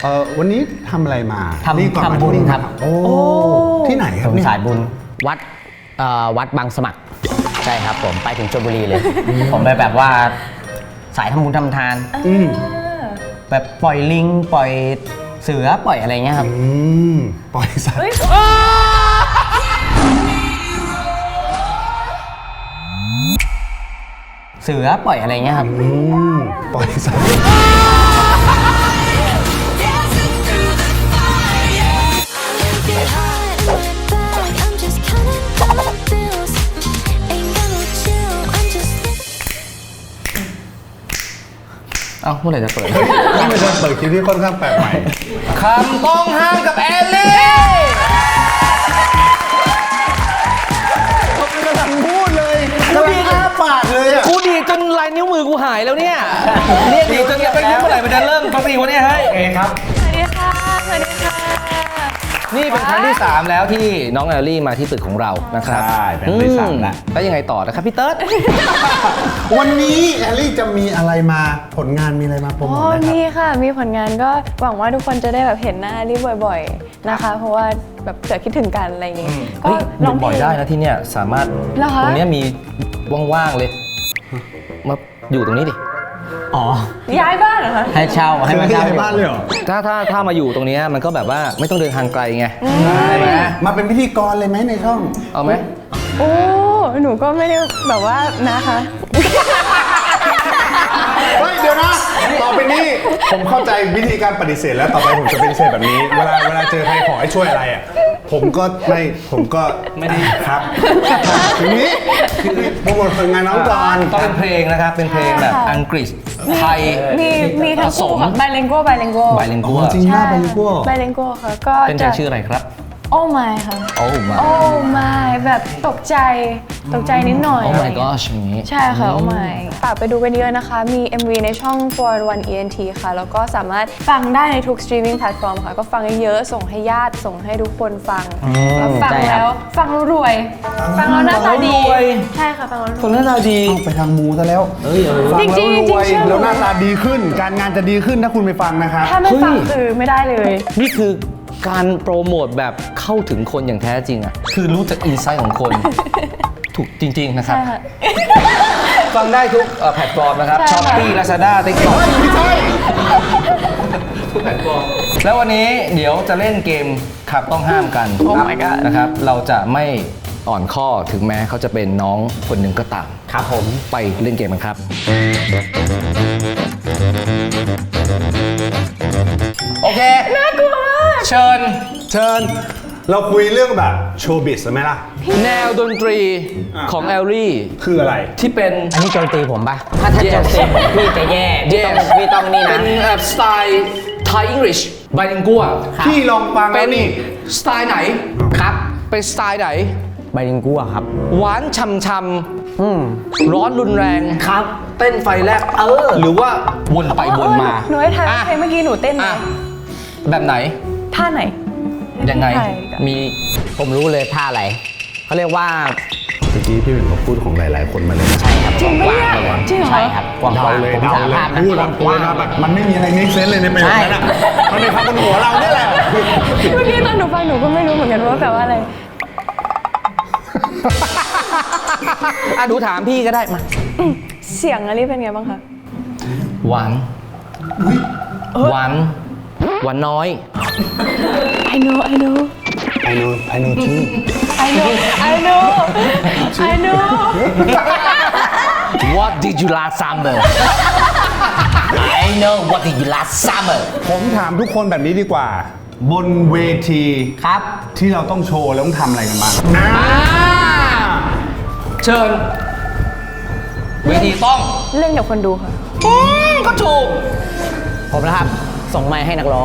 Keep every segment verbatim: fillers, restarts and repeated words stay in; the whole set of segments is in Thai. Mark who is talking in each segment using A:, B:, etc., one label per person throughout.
A: เออวันนี้ทำอะไรมา
B: ทำทำบุญครับ
A: โอ้ที่ไหนครับเนี่ย
B: สายบุญวัดเอ่อวัดบางสมัครใช่ครับผมไปถึงชลบุรีเลย ผมไปแบบว่าสายทำบุญทำทานแบบปล่อยลิงปล่อยเสือปล่อยอะไรเงี้ยครับ
A: อืมปล่อยสัตว์
B: เสือปล่อยอะไรเงี้ยครับ
A: อืมปล่อยสัตว์
B: เอ้าเมื่อไหร่จะเปิด
A: นี่เป็นการเปิดคลิปที่ค่อนข้างแปลกใหม่
B: คำต้องห้ามกับแอลลี่
A: เขากำลังพูดเลยกำลังอ้าปากเลยอ่ะ
B: กูดีจนลายนิ้วมือกูหายแล้วเนี่ยเรียกดีจนไปยิ้มเมื่อไหร่มันจะเริ่มปกติวะเนี่ยเฮ้ยเอครับ
C: สวัสดีค่ะสวัสดีค่ะ
B: นี่เป็นครั้งที่สามแล้วที่น้องแอลลี่มาที่ตึกของเรานะครับ
A: ใช่เป็นครั้งที่สามแล้ว
B: แล้วยังไงต่อนะครับพี่เติร์ด
A: วันนี้แอลลี่จะมีอะไรมาผลงานมีอะไรมาโปรโมทไหมครับ
C: มีค่ะมีผลงานก็หวังว่าทุกคนจะได้แบบเห็นหน้าลี่บ่อยๆนะคะเพราะว่าแบบเกิดคิดถึงกันอะไรอย่างงี้
B: ก็ลองบ่อยได้นะที่เนี่ยสามารถตรงนี้มีว่างๆเลยมาอยู่ตรงนี้ดิอ๋อ
C: ย้ายบ้านเหรอคะ
B: ให้เช่าให้มาเช่า
A: บ้านเลยเหรอ
B: ถ้าถ้าถ้ามาอยู่ตรงนี้มันก็แบบว่าไม่ต้องเดินทางไกลไงใช่ไหม
A: มาเป็นพิธีกรเลยไหมในช่อง
B: เอาไหม
C: โอ้หนูก็ไม่ได้แบบว่านะคะ
A: เฮ้ยเดี๋ยวนะต่อไปนี้ผมเข้าใจวิธีการปฏิเสธแล้วต่อไปผมจะปฏิเสธแบบนี้เวลาเวลาเจอใครขอให้ช่วยอะไรอ่ะผมก็ไม่ผมก็ไม่ได้ครับทีนี้โปรโมทผลงานน้องก่อน
B: ต้องเป็นเพลงนะครับเป็นเพลงแบบอังกฤษไทย
C: มีมีทั้งคู่ไบลิงกัวไบลิงกัว
B: ไบลิงกัว
A: จริงมากไบลิงกัว
C: ไบลิงกัวค่ะก็
B: เป็นเพลงชื่ออะไรครับ
C: โอ้ my ค่ะ
B: โอ้ my
C: โอ้ my แบบตกใจตกใจนิดหน่อย
B: โอ้ my gosh อย่างนี้
C: ใช่ค่ะโอ้ my ฝากไปดูกันเยอะนะคะมี เอ็ม วี ในช่อง for one อี เอ็น ที ค่ะแล้วก็สามารถฟังได้ในทุก streaming platform ค่ะก็ฟังเยอะๆส่งให้ญาติส่งให้ทุกคนฟังฟังแล้วฟังแล้วรวยฟังแล้วหน้าตาดีใช่ค่ะฟังแล้วรวย
B: คนหน้าตาดี
A: ไปทางมูซะแล้วฟังแล้วรวยแล้วหน้าตาดีขึ้นการงานจะดีขึ้นถ้าคุณไปฟังนะครับ
C: ถ้าไม่ฟังคือไม่ได้เลย
B: นี่คือการโปรโมทแบบเข้าถึงคนอย่างแท้จริงอ่ะคือรู้จักอินไซต์ของคนถูกจริงๆนะครับฟังได้ทุกแพลตฟอร์มนะครับ Shopee Lazada TikTok ไม่ใช่ทุกแพลตฟอร์มแล้ววันนี้เดี๋ยวจะเล่นเกมขับต้องห้ามกันนะครับเราจะไม่อ่อนข้อถึงแม้เขาจะเป็นน้องคนหนึ่งก็ตามครับผมไปเล่นเกมกันครับโอเค
C: น่ากลัวมาก
B: เชิญ
A: เชิญเราคุยเรื่องแบบโชว์บิสไหมล่ะ
B: แนวดนตรีของแอลลี่
A: คืออะไร
B: ที่เป็น
D: อันนี้โจมตีผมปะถ้าถ้าโจมตีผมพี่จะแย่พี่ต้องพี่ต้องนี่นะ
B: เป็นสไตล์ไทยอังกฤษไบลิงกัว
A: พี่ลองฟังแล้วนี่
B: สไตล์ไหนครับเป็นสไตล์ไหน
D: ไบลิงกัวครับ
B: หวานช่ำๆร้อนรุนแรง
D: ครับ
B: เต้นไฟแลบเออหรือว่าวนไปวนมา
C: หนูให้ทายเพลงเมื่อกี้หนูเต้นไหม
B: แบบไหน
C: ท่าไหน
B: ยังไงมี
D: ผมรู้เลยท่าอะไรเขาเรียกว่า
A: เมื่อกี้พี่เป็นพูดของหลายๆคนมาเลย
D: ใช่ครับ
C: จริงไหมจริงเหรอ
D: ใช่ครับ
A: กว้างเลยเดาเลยพูดกว้างแบบมันไม่มีอะไรเมคเซนส์เลยในประโยคนั้นอ่ะมันเป็นคำบนหัวเราเนี่ยแหละ
C: เมื่อกี้ตอนหนูฟังหนูก็ไม่รู้เหมือนกันว่าแปลว่าอะไร
B: อ่ะดูถามพี่ก็ได้มา
C: เสียงอะไรเป็นไงบ้างคะ
B: หวานหวานหวานน้อย
C: I know I know
A: I know I know too
C: I know I know I know
B: What did you last summer
D: I know what did you last summer
A: ผมถามทุกคนแบบนี้ดีกว่าบนเวที
D: ครับ
A: ที่เราต้องโชว์แล้วต้องทำอะไรกันบ้าง
B: เชิญเวทีต้อง
C: เล่นกับคนดูค่ะ
B: ก็ถูก
D: ผมนะครับส่งไมค์ให้นักร้อง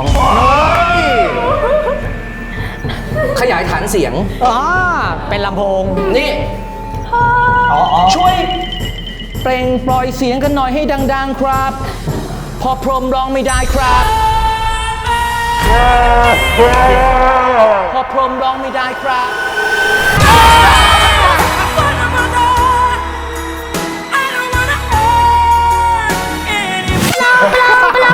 B: ขยายฐานเสียง
D: อ๋อเป็นลำโพง
B: นี่ช่วยเปล่งปล่อยเสียงกันหน่อยให้ดังๆครับพอพรมร้องไม่ได้ครับพอพรมร้องไม่ได้ครับ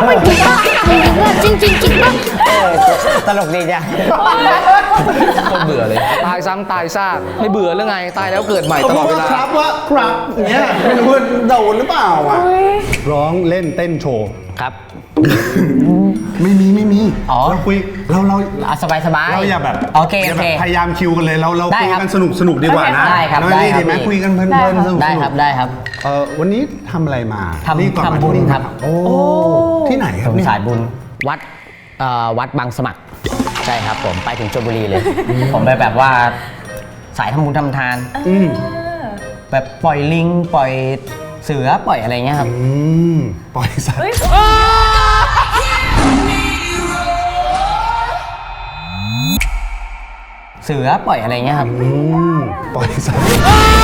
E: จริงจริงจริงป่ะ
D: เออตลกดีจ้ะ
B: คนเบื่อเลย ตายซ้ำตายซากไม่เบื่อหรือไง ตายแล้วเกิดใหม่
A: เขา
B: ตล
A: พู
B: อ
A: ด
B: ดเว
A: ว่า
B: ลา
A: ครับว่าครับอย่างเงี้ยไม่รู้ว่าโดนหรือเปล่าอ่ะร้องเล่นเต้นโชว์
D: ครับ
A: ไม่มีไม่มี
D: อ๋อ
A: เราคุยเราเรา
D: เอาสบายสบาย
A: เราอย่าแบบ
D: โอเค
A: อย่า
D: โอ
A: แบ
D: เค
A: บพยายามคิวกันเลยเราเรา
D: ได้
A: คุย
D: ครับ
A: กันสนุกสนุกดีกว่านะ
D: ได้ครับ
A: น้อง
D: ได้
A: ลี่
D: ครับ
A: ดีไหม
D: พี่
A: คุยกันเพลิน
C: ได้
A: ๆ
C: ค่ะ
A: สนุกๆ
D: ได้ครับได้ครับ
A: เออวันนี้ทำอะไรมา
D: ทำ
A: นี่ก่อนมา
D: ทำบุญ
A: ที่นี่
D: ครับ
A: โอ้ที่ไหนค
D: ผ
A: รับ
D: ม
A: เนี่ย
D: สายบุญวัดเอ่อวัดบางสมัครใช่ครับผมไปถึงชลบุรีเลย ผมไปแบบว่าสายทำบุญทำทาน
A: อืม
D: แบบปล่อยลิงปล่อยเสือปล่อยอะไรเงี้ยครับ
A: อืมปล่อยสัตว์
D: เสือปล่อยอะไรเงี้ยครับ
A: อืมปล่อยสัตว์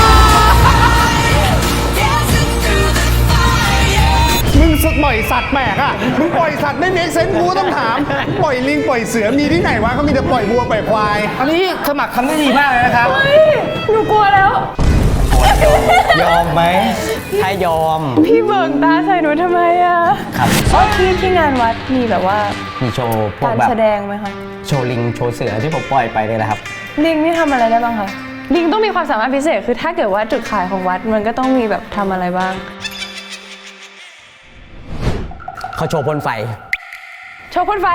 A: มึงปล่อยสัตว์แปลกอ่ะมึงปล่อยสัตว์ไม่เมคเซนส์กูก็ต้องถาม ปล่อยลิงปล่อยเสือมีที่ไหนวะเขามีแต่ปล่อยวัวปล่อยควาย
B: อันนี้สมัครทำได้ดีมากเลยนะครับ
C: หนูกลัวแล้ว
D: ยอมไหมถ้ายอม
C: พี่เบิกตาใส่หนูทำไมอะ
D: ครับ
C: ที่ที่งานวัดมีแบบว่า
D: มีโชว์พวก
C: การ
D: แบบ
C: แสดงไหมคะ
D: โชว์ลิงโชว์เสือที่ผมปล่อยไปเนี่ยแหละครับ
C: ลิงนี่ทำอะไรได้บ้างคะ ลิงต้องมีความสามารถพิเศษ คือถ้าเกิดว่าจุดขายของวัดมันก็ต้องมีแบบทำอะไรบ้าง
D: เขาโชว์พ่นไฟ
C: โชว์พ่นไฟ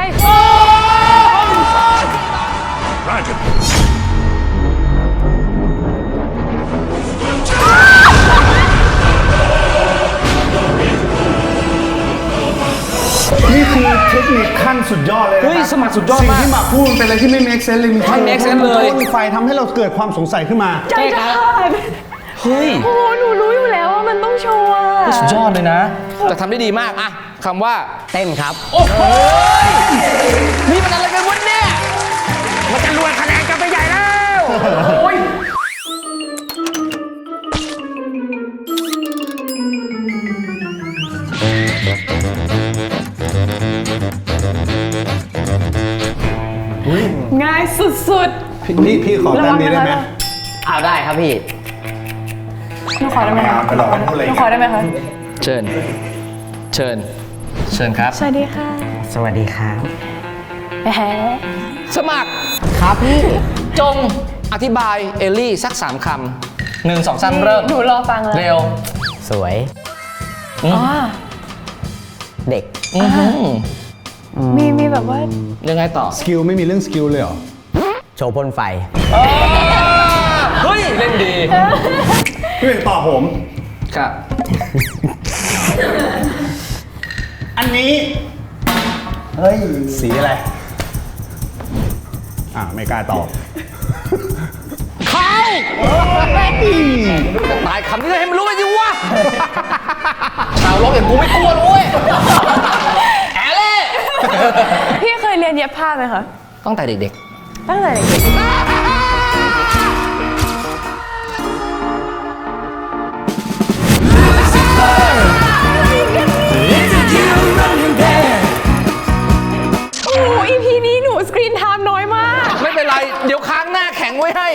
A: นี่คือเทคนิคขั้นสุดยอดเลยนะ
B: เฮ้ย
A: ครับ
B: สมัครสุดยอด
A: สิ่ง
B: มาก
A: ที่หมากพูดเป็นอะไรที่ไม่ make sense เลยมี
B: ไม่ make sense เลย
A: พ่นไฟทำให้เราเกิดความสงสัยขึ้นมา
C: ใจขาด
B: เฮ้ย
C: โอ้หนูรู้อยู่แล้วว่ามันต้องโชว์อะ
B: สุดยอดเลยนะ แต่ทำได้ดีมากอะคำว่า
D: เต้นครับ
B: โอ้โหนี่มันอะไรกันวะเนี่ยมันจะรวยคะแนนกันไปใหญ่แล้วโอ้ย
C: ง่ายสุด
A: พี่พี่ขอ
C: ๆ
A: แต้มนี้ได้ไหม
D: เอาได้ครับพี่
C: หนูขอได้ไหมคะ
A: ไปหลอกกันพูดอะไร
C: ห
A: อี
C: นู
A: ก
C: ขอได้ไหมคะ
B: เชิญ เชิญ เชิญครับ
C: สวัสดีค่ะ
D: สวัสดีครับ
C: แหม
B: สมัคร
D: ครับพี่
B: จงอธิบายเอลลี่สักสามคำหนึ่งสองสามเริ่ม
C: หนูรอฟังเลย
B: เร็ว
D: สวย
C: อ๋อ
D: เด็ก
B: อื้อหือ
C: มีมีแบบว่า
B: ยังไงต่อ
A: สกิลไม่มีเรื่องสกิลเลยเหรอ
D: โชว์พ่นไฟ
B: เฮ้ย เล่นดี
A: พี่เป็นตอบผม
B: ครับ
A: อันนี้ เฮ้ย สีอะไร อ่าไม่กล้าตอบ
B: เข้าตายคำนี้เลยให้มันรู้ไปสิวะ ชาวโลกอย่างกูไม่กลัวเลยเว้ยแอเล่
C: พี่เคยเรียนเย็บผ้าไหมคะ
B: ตั้งแต่เด็ก
C: ตั้งแต่เด็ก โอ้โห อี พี นี้หนูสกรีนไทม์น้อยมาก
B: ๆ ไม่เป็นไร เดี๋ยวค้างหน้าแข็งไว้ให้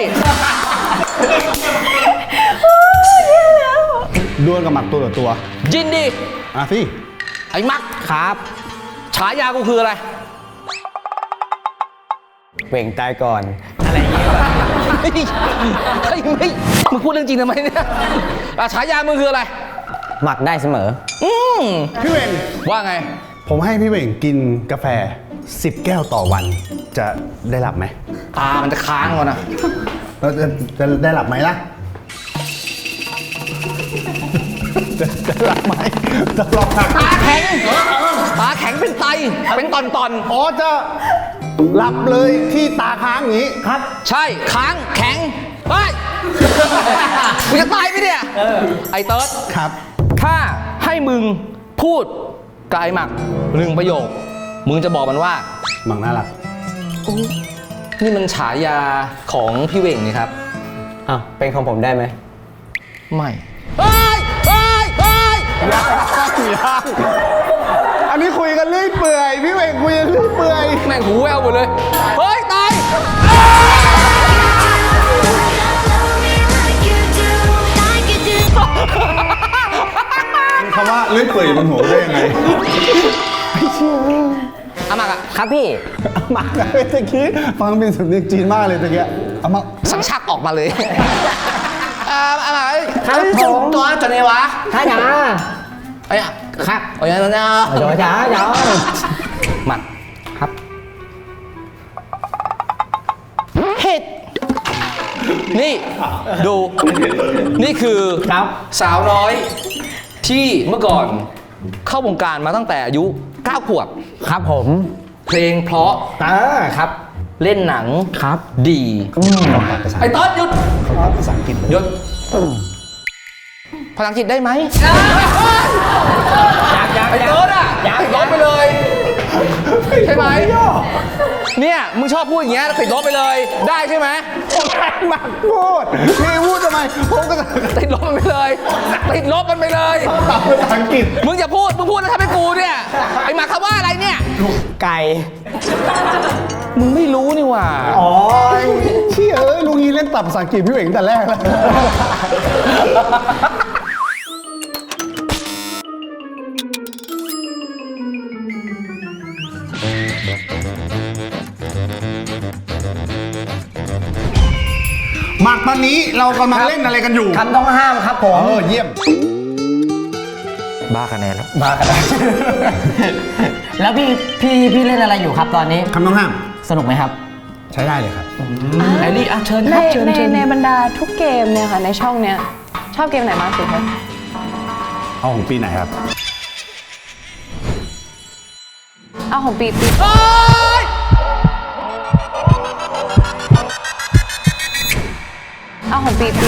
A: ดวลกับหมักตัวต่อตัว
B: ยินดี
A: อ่ะสิ
B: ไอ้มัก
D: ครับ
B: ฉายากูคืออะไร
D: เว่งตายก่อน
B: เฮ้ยเฮ้ยเฮ้ยมึงพูดเรื่องจริงทำไมเนี่ยอ่ะฉายามึงคืออะไร
D: หมักได้เสมอ
B: อืม
A: พี่เวง
B: ว่าไง
A: ผมให้พี่เวงกินกาแฟสิบแก้วต่อวัน จะได้หลับไหม
B: ตามันจะค้างก่อนนะ
A: แล้วจะจะได้หลับไหมล่ะ จะจะหลับไหมจะลองหัก
B: ตาแข็ง ตาแข็งเป็นไต เป็นตอนตอน
A: อ๋อจะหลับเลยที่ตาค้างอย่างนี้ครับ
B: ๆใช่ ค้าง แข็ง เฮ้ยกูจะตายไหมเนี่ย ไอ้เติร์ด
A: ครับ
B: ถ้าให้มึงพูดกายหมักหนึ่งประโยค มึงจะบอกมันว่า
A: หมังน่ารัก
B: นี่มันฉายาของพี่เวงนี่ครับ
D: อ่ะ เป็นของผมได้ไหม
B: ไม่เฮ้ยเฮ้ยเฮ้ย
A: ยังอันนี้คุยกันเรื่อยเปื่อย พี่เวงคุยกันเรื่อยเปื่อย
B: แม่งหูแววหมดเลย เฮ้ย ตาย
A: คำว่าเรื่อยเปื่อยอยู่บนหัวได้ยังไง
B: อามักอะ
D: ครับพี่
A: หมักอะตะกี้ฟังเป็นสำเนียงจีนมากเลยตะกี้เอามา
B: สังชักออกมาเลยอาอามัก
D: ครับผม
B: ตัวจะไหนวะ
D: ถ้าจ๋า
B: ไอ้อะ
D: ครับ
B: โอ้ยนะนะ
D: จ๋าจ๋าจ๋า
B: หมัด
D: ครับ
B: เฮ็ดนี่ดูนี่คือ
D: ครับ
B: สาวน้อยที่เมื่อก่อนเข้าวงการมาตั้งแต่อายุเก้าขวบ
D: ครับผม
B: เพลงเพราะ
D: อ่าครับ
B: เล่นหนัง
D: ครับ
B: ดี ไอ้ต้นหยุด
A: ภาษาอังกฤษเลย
B: หยุดภาษาอังกฤษได้ไหม
D: อยากอยาก
B: ไอ้ต้นอ่ะติดลบไปเลย ใช่ไหมเนี่ยมึงชอบพูดอย่างเงี้ยติดลบไปเลย ได้ใช่ไหม
A: หมักพูดพี่พูดทำไมผมก็จะ
B: ติดลบมันไปเลยติดลบมันไปเลย
A: ตอบภาษาอังกฤษ
B: มึงอย่าพูดมึงพูดแล้วทำให้กูเนี่ยไอ้หมาคำว่าอะไรเนี่ย
D: ไก่
B: มึงไม่รู้นี่หว่า
A: อ๋อเชี่ยเอ้ยลุงนี้เล่นตับภาษาอังกฤษพี่เอ๋งแต่แรกแล้วหมักตอนนี้เรากำลังเล่นอะไรกันอยู่
D: คำต้องห้ามครับผม
A: เออเยี่ยม
B: บ้าคะแนนแล้ว
D: มากันแล้วพี่พี่พี่เล่นอะไรอยู่ครับตอนนี้
A: คำต้องห้าม
D: สนุกไหมครับ
A: ใช้ได้เลยครับ
B: แอลลี่อ่ะเชิญค
C: ใน
B: รับเชิญ
C: ใน
B: เชิญ
C: ในบรรดาทุกเกมเนี่ยค่ะในช่องเนี้ยชอบเกมไหนมากสุดคะ
A: เอาของปีไหนครับ
C: เอาของปีปี
B: โอ๊ย
C: เอาของปีปี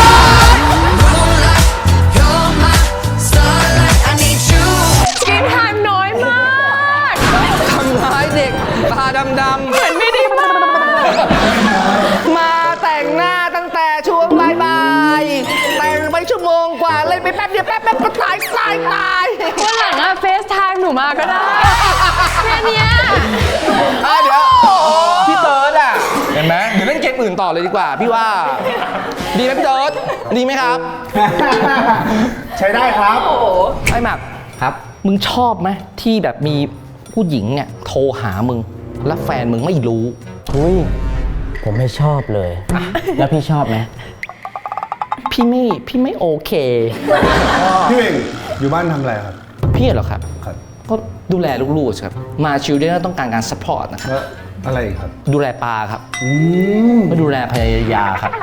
C: สกรีนไทม์น้อยมาก
B: ทำร้ายเด็กตาดำๆ
C: เหมือนไม่ได้มาก
B: มาแต่งหน้าตั้งแต่ช่วงบ่ายๆแต่งไปชั่วโมงกว่าเล่นไปแป๊บเดียวแป๊บแป๊บก็ตายตายตาย
C: วันหลังอะเฟซไทม์หนูมาก็ได้แค่เนี้ย
B: อ่ะเดี๋ยวพี่เติร์ดอ่ะเห็นไหมเดี๋ยวเล่นเกมอื่นต่อเลยดีกว่า พี่ว่าดีไหมพี่เติร์ดดีไหมครับ
A: ใช้ได้ครับ
B: ไอ้หมัก
D: ครับ
B: มึงชอบไหมที่แบบมีผู้หญิงเนี่ยโทรหามึง แล้วแฟนมึงไม่รู้
D: อุ้ย ผมไม่ชอบเลย แล้วพี่ชอบไหม
B: พี่ไม่พี่ไม่โอเค
A: พี่เอ๋งอยู่บ้านทำอะไรครับ
B: พี่เหรอครับ
A: ครับ
B: ก็ดูแลลูกๆครับมาชิลเดนต้องการการซัพพอร์ตนะครับ
A: แล้วอะไรอีกครับ
B: ดูแลปลาครับ
A: อืม
B: ก็ดูแลภรรยาครับ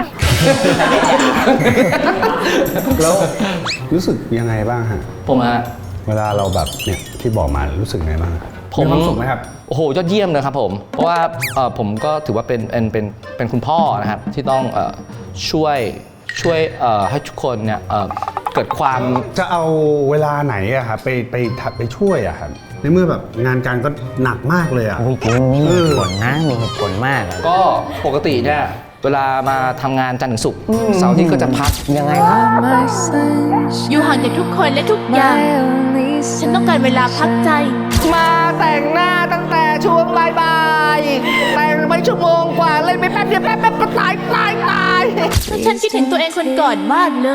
A: แล้วรู้สึกยังไงบ้างฮะ
B: ผมอะ
A: เวลาเราแบบเนี่ยที่บอกมารู้สึกไงบ้าง
B: ผม
A: มีความสุขไหมครับ
B: โอ้โหยอดเยี่ยมเลยครับผม เพราะว่าเอ่อผมก็ถือว่าเป็นเป็นเป็นเป็นคุณพ่อนะครับ ที่ต้องเอ่อช่วยช่วยเอ่อให้ทุกคนเนี่ยเอ่อเกิดความ
A: จะเอาเวลาไหนอะครับไปไปทำไปช่วยอะครับในเมื่อแบบงานการก็หนักมากเลยอะ
D: อุ้ยจริงนี่มีเหตุผลนะมีเหตุผลมากอะ
B: ก็ปกติเนี่ยเวลามาทำงานจันทร์ถึงศุกร์เสาร์อาที่ก็จะพัก
D: ยังไงครับ
E: อยู่ห่างจากทุกคนและทุกอย่าง ฉันต้องการเวลาพักใจ
B: มาแต่งหน้าตั้งแต่ช่วงบ่ายๆแต่งไปชั่วโมงกว่าเล่นไปแป๊บเดียวแป๊บแป๊บก็ตายตายตาย
E: ฉันคิดถึงตัวเองคนก่อนมากเลย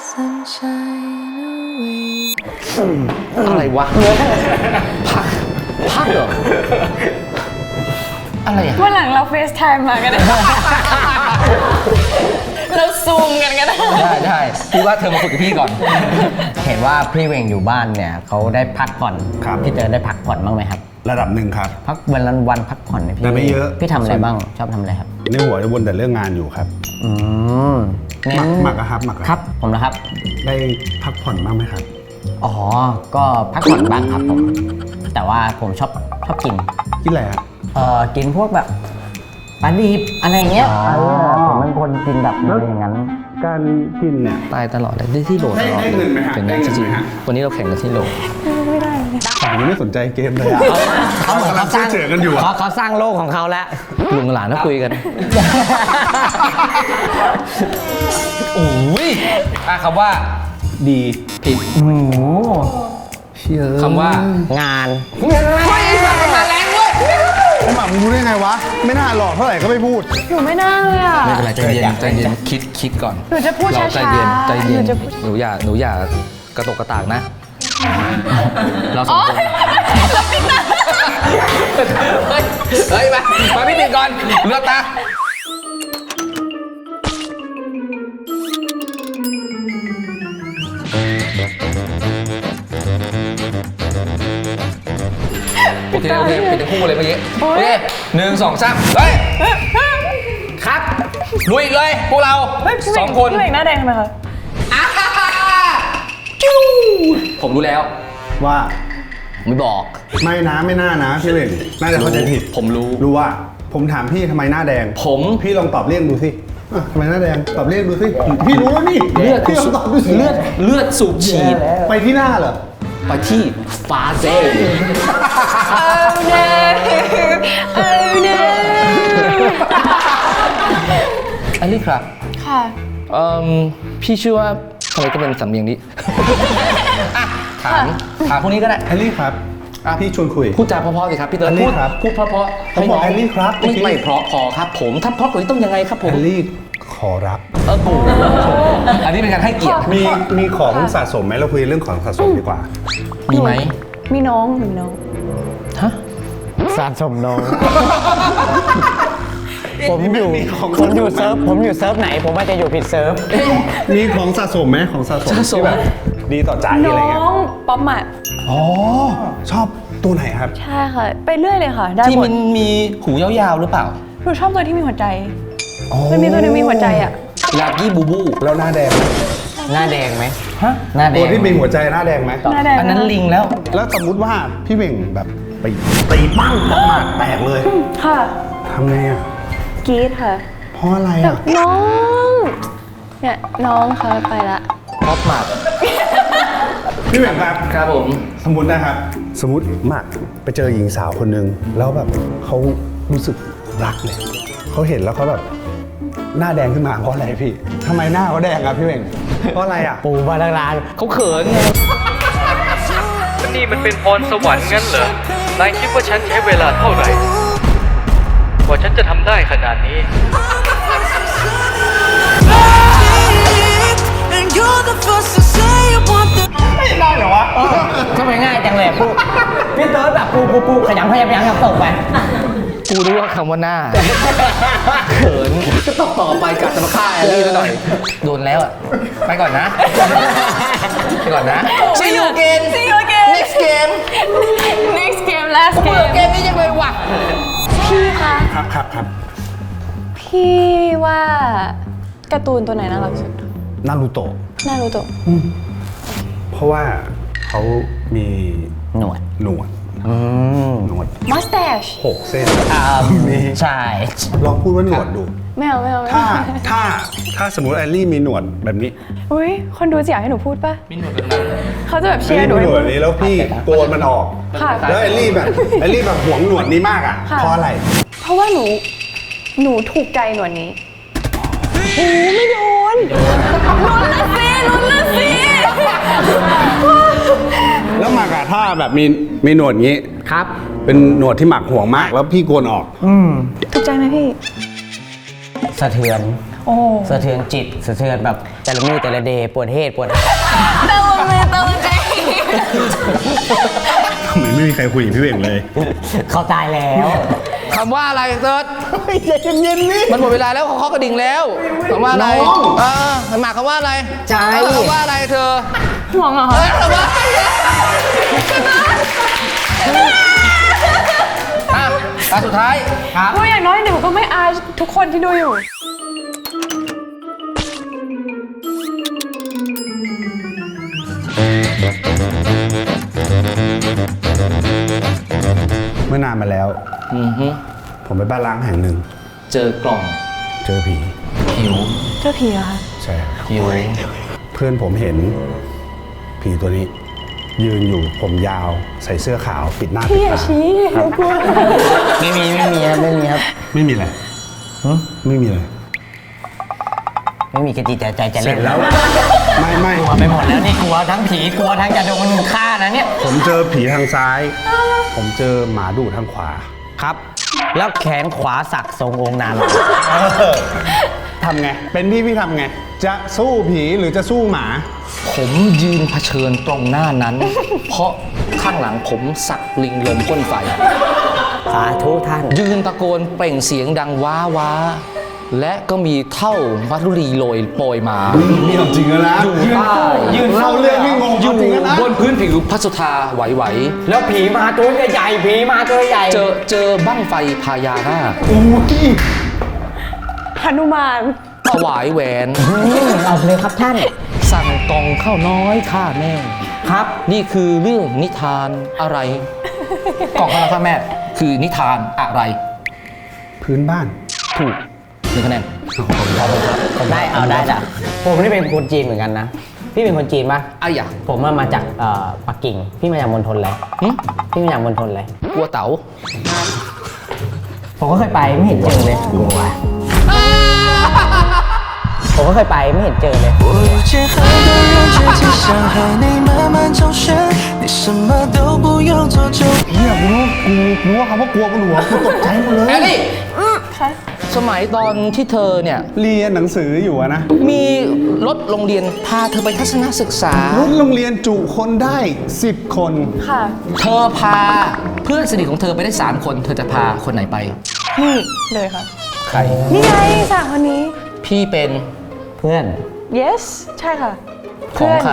B: อะไรวะพักพักเหรออะไรอ่ะ
C: วันหลังเราเฟซไทม์มากันได้ เราซูมกันก็ได้
B: ได้ได้พี่ว่าเธอมาคุยกับพี่ก่อน
D: เห็นว่าพี่เวงอยู่บ้านเนี่ยเขาได้พักผ่อน
A: ครับ
D: พี่เจอได้พักผ่อนบ้างไหมครับ
A: ระดับหนึ่งครับ
D: พักวันละวันพักผ่อนเนี่ยพี่
A: แต่ไม่เยอะ
D: พี่ทำอะไรบ้างชอบทำอะไรครับ
A: ในหัวจะวนแต่เรื่องงานอยู่ครับ
D: อืม
A: ห
D: งั้
A: มัก
D: น
A: หมักอะครับหมักอะ
D: ครับ ผมนะครับ
A: ได้พักผ่อนบ้างไหมครับ
D: อ๋อ ก็พักผ่อนบ้างครับผม แต่ว่าผมชอบชอบกิน
A: กินอะไรฮะ
D: เอ่อ กินพวกแบบปลาดิบอะไรอย่างเงี้ยเออผมเป็นคนกินแบบอะไรอย่างนั้น
A: การกินเนี่ย
B: ตายตลอดเลยได้ที่โหลดตลอด
A: ได้เงินไหมฮะ
B: เห็นไหม
A: ได้เงิน
B: จริง
A: ไหมฮะ
B: ๆวันนี้เราแข่งกันที่โหลด
A: ผมยังไม่สนใจเกมเลยอะ
D: เขาเหมือนเขาสร้าง
A: เฉยๆกันอยู่อะ
D: เขาเขาสร้างโลกของเขาแล้ว
B: ลุงหลานก็คุยกัน โอ้ยอ่ะคำว่า ดีผิด
D: โอ้โห
A: เชี่ย
B: คำว่า
D: งาน
B: ไม่สั่งมาแรงเว้ย
A: ไอ้หมักมึงรู้ได้ไงวะ ไม่น่าหลอกเท่าไหร่ก็ไม่พูด
C: หนูไม่น่าเลยอะ
B: ไม่เป็นไรใจเย็นใจเย็นคิดคิดก่อน
C: หนูจะพูด
B: เรา
C: ช้า
B: ใจเย็น
C: ๆ
B: ใจเย็น
C: หนูจะพูด
B: หนูอย่าหนูอย่ากระตกกระตากนะ เราสองคน
C: แล้วปิ๊กนะ
B: เฮ้ยเฮ้ยมามาพี่ติดก่อนเลือกตาโอเคโอเคเป็นทั้งคู่เลยเมื่อกี้โอเคหนึ่งสองสามเฮ้ยครับลุยเลยพวกเราสองคน
C: พี่เอกหน้าแดงทำไมคะ
B: อ่าผมรู้แล้ว
A: ว่า
B: ไม่บอก
A: ไม่นะไม่น่านะพี่เล่งน่าจะเข้าใจผิด
B: ผมรู้
A: รู้ว่า ผมถามพี่ทำไมหน้าแดง
B: ผม
A: พี่ลองตอบเรียกดูสิอ่ะทำไมหน้าแดงตอบเรียกดูสิพี่รู้แล้วนี่
B: เลือด
A: พี่ลองตอบดูสิ
B: เลือดเลือดสูบฉีด
A: ไปที่หน้าเหรอ
B: ไปที่ฟาเซ่
C: Oh no Oh no
B: อันนี้ครับ
C: ค่ะ
B: เอ่อพี่เชื่อว่าทำไมต้องเป็นสำเนียงนี้ อ่ะถามถามพวกนี้ก็ได้
A: แอลลี่ครับ
B: อ่ะ
A: พี่ชวนคุย
B: พูดจาเพราะๆสิครับพี่เติร์
A: แอ
B: ด
A: ลลี่
B: พูด
A: ครับ
B: พูดเพราะๆ
A: ผมบอก
B: ให้น้ง
A: แอลลี่ครับ
B: ไม่
A: เมื่อกี้
B: ไม่เพราะพอครับผมถ้าเพราะกว่านี้ต้องยังไงครับผ
A: แอ
B: ม
A: ลลี่ขอรับ
B: เออปู่อันนี้เป็นการให้เกียรติ
A: มีมีของสะสมไหมเราคุยเรื่องของสะสมดีกว่า
B: มีไหม
C: มีน้องมีน้อง
B: ฮะ
D: สะสมน้อง ผมอยู่ผมอยู่เซิร์ฟผมอยู่เซิร์ฟไหน ผมว่าจะอยู่ผิดเซิร์ฟ
A: มีของสะสมไหมของสะสม
B: สะสม
A: ที่แบบดีต่อใจอะไร
C: น้
A: เงี้ย
C: องป๊อปหมัด
A: อ๋อชอบตัวไหนครับ
C: ใช่ค่ะ ไปเรื่อยเลยค่ะ ได้
B: ที่
C: หม
B: มั
C: ด
B: นมีหูยาวๆหรือเปล่า
C: หนูชอบตัวที่มีหัวใจ มันมีตัวหนึงมีหัวใจอ่ะ
B: ลากี้บูบู
A: แล้วหน้าแดงไหม
D: หน้าแดงไหม
B: ฮะ
D: หน้าแด
A: ตัว
D: ง
A: ที่มีหัวใจหน้าแดงไหม
C: หน้าแดง
B: อันนั้นลิงแล้ว
A: แล้วสมมุติว่าพี่เบ่งแบบไปตีปั้งออกมาแตกเลย
C: ค่ะ
A: ทำไงอ่ะ
C: กรีดค่ะ
A: เพราะอะไร
C: แบ
A: อ่ะ
C: บน้อง เนี่ยน้องค่ะไปละ
B: ป๊อปหมัด
A: พี่เบ่งครับ
B: ครับผม
A: สมมตินะครับ สมมติมากไปเจอหญิงสาวคนหนึ่งแล้วแบบเขารู้สึกรักเลยเขาเห็นแล้วเขาแบบหน้าแดงขึ้นมาเพราะอะไรพี่ทำไมหน้าเขาแดงอ่ะพี่เบ่งเพราะอะไรอ่ะ
D: ปูมาตั้งนาน
B: เขาเขินไง
F: นี่มันเป็นพรสวรรค์งั้นเหรอนายคิดว่าฉันใช้เวลาเท่าไหร่กว่าฉันจะทำได้ขนาดนี้
D: ทำไมง่ายจังเลยปูพี่เติร์ดแบบปูปูปูขยำขยำขยำตกไป
B: กูรู้ว่าคำว่าหน้า เขินก็ต้องต่อไปกลับจะมาฆ่าแอลลี่ซะหน่อย โดนแล้วอ่ะ ไปก่อนนะ ไปก่อนนะ See you again
C: See you again
B: next game
C: next game last
B: เบื่อ
C: game
B: เกมนี้ยังเลยว่ะ
C: พี่คะ
A: ครับครับครับ
C: พี่ว่าการ์ตูนตัวไหนน่ารักสุด
A: นารูโตะ
C: น่ารู้ตัว
A: เพราะว่าเขามี
D: หนวด
A: หนวด
D: อืม
A: หนวด
C: mustache
A: หกเส้น
D: อ่า
A: มี
D: ใช่
A: ลองพูดว่าหนวดดู
C: ไม่เอาไม่เอาไม่
A: ถ้า
C: เอา
A: ถ้าถ้าสมมติแอลลี่มีหนวดแบบนี้
C: อุ้ยคนดูจะอยากให้หนูพูดปะ
B: มีหนวดแบบนั้น
C: เขาจะแบบ
A: แอ
C: เชี
A: ล
C: ยร์
A: ลี่
C: หนู
A: มีหน
C: ให้
A: วด
C: พู
A: แบ
C: ด
A: บนี้แล้วพี่โกนมันออก
C: ค่ะ
A: แล้วแอลลี่แบบแอลลี่แบบหวงหนวดนี้มากอ่ะ
C: ค่ะ
A: เพราะอะไร
C: เพราะว่าหนู หนูถูกใจหนวดนี้โอ้ไม่โดนลุ้นละสิลุ้นละสิ
A: แล้วหมากอะถ้าแบบมีมีหนวดงี้
D: ครับ
A: เป็นหนวดที่หมักห่วงมาก แล้วพี่โกนออก
C: ถูกใจไหมพี่
D: สะเทือน
C: โอ้
D: สะเทือนจิต สะเทือนแบบแต่ละมือแต่ละเดย์ปวดเหตุปวด
C: ตะวันเลยตะวันใจ
A: ทำไมไม่มีใครคุยกับพี่เบ่งเลย
D: เขาตายแล้ว
B: คำว่าอะไรเติร์ด
A: ใจเย็นๆนี่
B: มันหมดเวลาแล้วเขาเคาะกระดิ่งแล้วคำว่าอะไร
A: น้อง
B: เออหมากคำว่าอะไร
D: ใจ
B: คำว่าอะไรเธอ
C: ห่วงเหรอ
B: เอ
C: คะ
B: อคำว่าอ่ะตาสุดท้าย ครับ
C: เพราะอย่างน้อยหนูก็ไม่อายทุกคนที่ดูอยู่
A: เมื่อนานมาแล้ว
B: อือฮึ
A: ผมไปบ้านล้างแห่งหนึ่ง
B: เจอกล่อง
A: เจอผี
B: ผิว
C: เจ้าผีเหรอคะ
A: ใช่ครับ
B: ผิว
A: เพื่อนผมเห็นผีตัวนี้ ยืนอยู่ผมยาวใส่เสื้อขาวปิดหน้าปิ
C: พี่
A: ด
C: อย่า
A: ตา
C: ชี้หนูกลัว
D: ไม่มีไม่มีครับไม่มีครับ
A: ไม่มีอะไรไม่มีอะไร
D: ไม่มีกระจิตใจจะ
A: เสร็
D: เล่
A: จ
D: น
A: แล้ว ไม่ไม่
D: กลัวไปหมดแล้วนี่กลัวทั้งผีกลัวทั้งจะโดนฆ่านะเนี่ย
A: ผมเจอผีทางซ้าย ผมเจอหมาดุทางขวา
D: ครับ แล้วแขนขวาสักทรงองค์นารายณ์
A: ทำไง เป็นพี่พี่ทำไง จะสู้ผีหรือจะสู้หมา
B: ผมยืนเผชิญตรงหน้านั้น เพราะคข้างหลังผมสักลิงลมพ่นไฟ
D: สาธุท่าน
B: ยืนตะโกนเปล่งเสียงดังว้าว้าและก็มีเท่ามัทุรีโรยโปรยมา
A: นี่เอาจริงแล้วนะ
B: อยู่ใต้
A: ยืนเล่าเรื่องนี่งง
B: อยู่
A: จริงแล้วนะ
B: บนพื้นผิวพัสสุธาไหว
D: แล้วผีมาตัวใหญ่ๆผีมาตัวใหญ่
B: ๆเจอเจอบั้งไฟพญานาค
A: อุ้ย
C: หนุมาน
B: ถวายแหวน
D: เอาเลยครับท่าน
B: สั่งกองข้าวน้อยข้าแม่
D: ครับ
B: นี่คือเรื่องนิทานอะไร กองข้าวน้อยข้าแม่ คือนิทานอะไร
A: พื้นบ้าน
B: ถูกหนึ่งคะแนน
D: ได้เอาได้จ้ะผมนี่เป็นคนจีนเหมือนกันนะ พี่เป็นคนจีนปะ
B: อ้ายะ
D: ผมมามาจากเอ่อปักกิ่ง พี่มาจากมณฑลอะไร
B: หึ
D: พี่มาจากมณฑลอะไร
B: กลัวเต๋า
D: ผมก็เคยไปไม่เห็นเจอเลยกลัวผมก็เคยไปไม่เห็นเจอเลย
G: 我遇见很多人，直接想和你慢慢周旋，你什么都不用做就。
A: เนี่ยกูกูกูว่าคำว่ากลัวกูหลัวกูตกใจหมดเลย
B: แอลลี่สมัยตอนที่เธอเนี่ย
A: เรียนหนังสืออยู่อะนะ
B: มีรถโรงเรียนพาเธอไปทัศนศึกษา
A: รถโรงเรียนจุคนได้สิบคน
C: ค่ะ
B: เธอพาเพื่อนสนิทของเธอไปได้สามคน เธอจะพาคนไหนไป
C: นี่เลยค่ะ
B: ใคร
C: นี่ไงสามคนนี้
B: พี่เป็น
D: เพื่อน
C: yes ใช่ค่ะ
B: ของใคร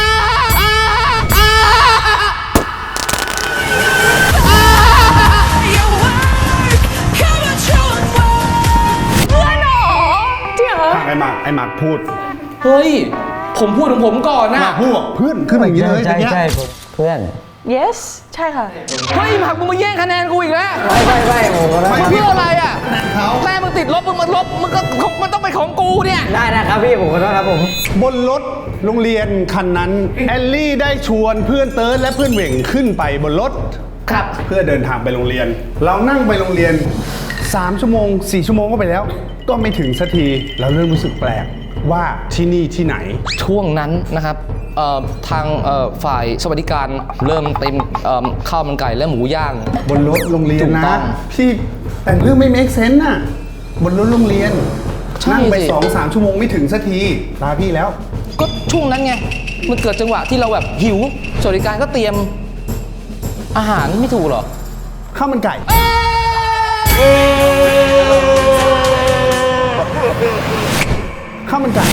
C: เพื่อนเหรอจริงเหรอ
A: ไอ้หมากไอ้หมากพูด
B: เฮ้ย ผมพูดของผมก่อนนะ
A: หมากพูดบอกเพื่อนขึ้นมาอย่างนี้เลย
D: ใช่
A: เมื่อกี้
D: ใช่ผมเพื่อน
C: yes ใช่ค่ะ
B: เฮ้ยหมากมึงมาแย่งคะแนนกูอีกแล้ว
D: ไม่ไม่ไม่ผมก็ได้
B: เพื่ออะไรอ่ะ
A: เขา
B: แม่มึงติดลบมึงมาลบมึงก็มันต้องเป็นของกูเนี่ย
D: ได้นะครับพี่ผมขอโทษครับผม
A: บนรถโรงเรียนคันนั้นแอลลี่ได้ชวนเพื่อนเติร์ดและเพื่อนเหว่งขึ้นไปบนรถ
B: ครับ
A: เพื่อเดินทางไปโรงเรียน เรานั่งไปโรงเรียนสามชั่วโมงสี่ชั่วโมงก็ไปแล้ว ก็ไม่ถึงสักทีเราเริ่มรู้สึกแปลกว่าที่นี่ที่ไหน
B: ช่วงนั้นนะครับเอ่อทางเอ่อฝ่ายสวัสดิการเริ่มเต็มเอิ่มข้าวมันไก่และหมูย่าง
A: บนรถโรงเรียน
B: ถูกต้
A: นะ
B: อง
A: พี่แต่งเรื่องไม่ make sense น่ะบนรถโรงเรียน
B: ใช่
A: นั่งไป
B: สิ
A: สองสามชั่วโมงไม่ถึงสักทีลาพี่แล้ว
B: ก็ช่วงนั้นไง มันเกิดจังหวะที่เราแบบหิว สวัสดิการก็เตรียมอาหารไม่ถูกเหรอ
A: ข้าวมันไก่ ข้าวมันไก่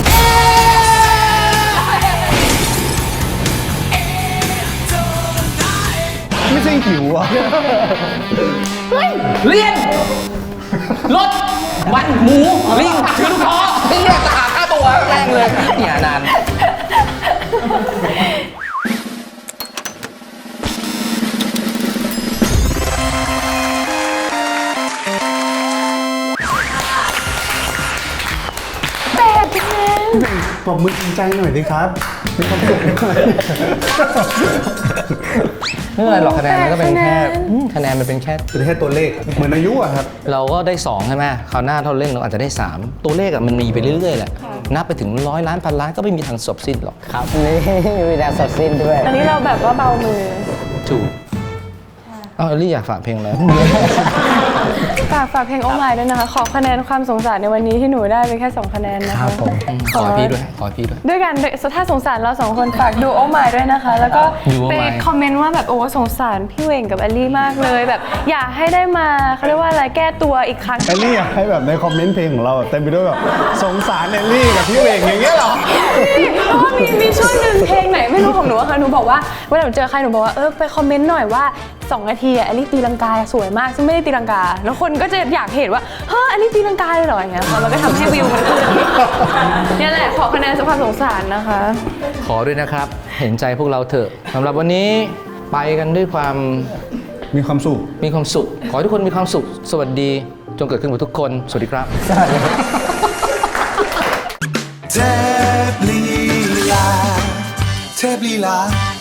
A: ไม่ใช่หิวอ่ะ
B: เรียน รถ วันหมูลิงถือลูกคอเรียกตะขาบฆ่าตัวแรงเลยเนี่ยนาน
C: แปดคะแนน
A: ปรบมือจริงใจหน่อยดิครับ มีความสุขหน่อย
B: ไม่เป็นไรหรอกคะแนนมันก็เป็นแค่อืมคะแนนมันเป็นแค่
A: เป็นแค่ตัวเลข เหมือนอายุอะครับ
B: เราก็ได้สองใช่ไหมคราวหน้าถ้าเราเล่นเราอาจจะได้สามตัวเลขอะมันมีไปเรื่อยๆแหละ นับไปถึงร้อยล้านพันล้านก็ไม่มีทางจบสิ้นหรอก
D: ครับนี่มีแต่สดสิ้นด้วย
C: อันนี้เราแบบว่าเบามือ
B: ถูกเอ้าเอลลี่อยากฝากเพลงแล้ว
C: ฝากฝากเพลงโอ m ายด้วยนะคะ ขอคะแนนความสงสารในวันนี้ที่หนูได้เป็นแค่สองคะแนนนะ
D: ครั
C: คะ
D: บผม
B: ขอพี่ด้วย ขอพี่ด้วย
C: ด้วยกันด้วยถ้าสงสารเราสองคนฝากดูโอ m ายด้วยนะคะ แล้วก็
B: ดู Oh
C: ไป
B: My
C: คอมเมนต์ว่าแบบโอ้สงสารพี่เวงกับแอลลี่มากเลยแบบอยากให้ได้มาเขาเรียกว่าอะไรแก้ตัวอีกครั้ง
A: แอลลี่อยากให้แบบในคอมเมนต์เพลงของเราเต็มไปด้วยแบบสงสารแอลลี่กับพี่เวงอย่างเงี้ยเหรอ
C: เพราะว่ามีมีช่วงหนึ่งเพลงไหนไม่รู้ของหนูอะค่ะหนูบอกว่าเวลาหนูเจอใครหนูบอกว่าเออไปคอมเมนต์หน่อยว่าสองนาทีอะแอลลี่ตีลังกาสวยมากซึ่งไม่ได้ตีลังกา แล้วคนก็จะอยากเห็นว่าเฮ้ยแอลลี่ตีลังกาเลยเหรออย่างเงี้ยค่ะมันก็ทำให้วิวมันขึ้นเนี่ยแหละขอคะแนนสำหรับสงสารนะคะ
B: ขอด้วยนะครับ เห็นใจพวกเราเถอะสำหรับวันนี้ไปกันด้วยความ
A: มีความสุข
B: มีความสุข ขอให้ทุกคนมีความสุข สวัสดี จงเกิดขึ้นกับทุกคน สวัสดีครับ
G: เทพลีลาเทพลีลา